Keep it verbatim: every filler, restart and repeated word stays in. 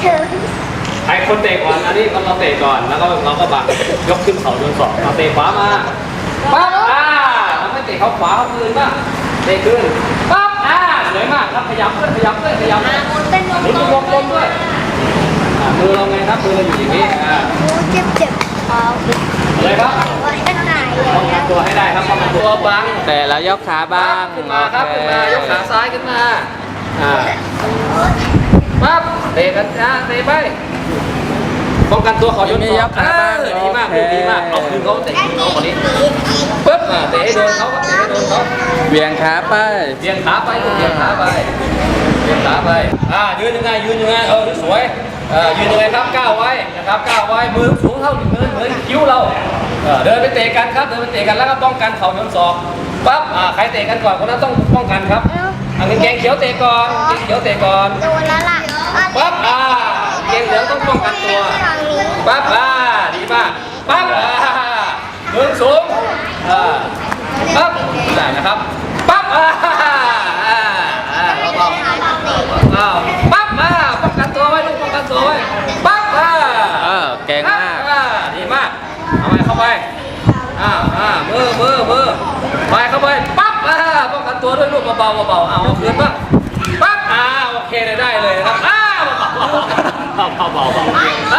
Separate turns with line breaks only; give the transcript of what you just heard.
ใครคนเตะก่อนอันนี้เราเตะก่อนแล้วก็เราก็บังยกขึ้นเขาโดนสองเราเตะขวามาปั๊บอ่าเราไม่เตะเขาขวาเขาคืนบ้างเตะขึ้นปั๊บอ่าสวยมากครับขยับด้วยขยับด้วยขยับด้วยหมุนวงกลมด้วยมือเราไงครับมือเราอยู่อย่างนี้อ่า
เจ็บเจ็บเท้า
เลยครับ
ว่าจะหาย
ป้องกันตัวให้ได้ครับป้องกันตัวบัง
แต่แล้วยกขาบ้าง
ขึ้นมาครับขึ้นมายกขาซ้ายขึ้นมาอ่าปั๊บเตะกันนะเตะไปป้องกันตัวขอโยนสองดีมากดีมากเอาคืนเขาเตะคืนเขาคนนี้ปึ๊บเตะให้โดนเขาเตะให้โดนเขา
เบี่ยงขาไป
เบี่ยงขาไปลูกเบี่ยงขาไปเบี่ยงขาไปอ่ายืนยังไงยืนยังไงเออสวยเออยืนยังไงครับก้าวไว้นะครับก้าวไว้มือสูงเท่ามือเหมือนคิ้วเราเออเดินไปเตะกันครับเดินไปเตะกันแล้วก็ป้องกันเข่าโยนศอกปั๊บอ่าใครเตะกันก่อนคนนั้นต้องป้องกันครับอ่างเกงเขียวเตะก่อนเกงเขียวเตะก่อน
โดนแล้วล่ะ
ปั๊บอ่าเกงเหลืองต้องป้องกันตัวปั๊บอ่าดีมากปั๊บอ่ามือสูงอ่าปั๊บได้นะครับปั๊บอ่าอ่าอ่าเราต้องอ้าวปั๊บอ่าป้องกันตัวไว้ลูกป้องกันตัวไว้ปั๊บอ่า
เออเก่งมาก
อ่าดีมากเอาไปเข้าไปอ่าอ่ามือมือมือไปเข้าไปปั๊บอ่าป้องกันตัวด้วยลูกเบาๆเบาๆเอาเอาคืนบ้างปั๊บอ่าโอเคเลยได้เลยนะครับอ้าเบาๆเบาๆเบาๆ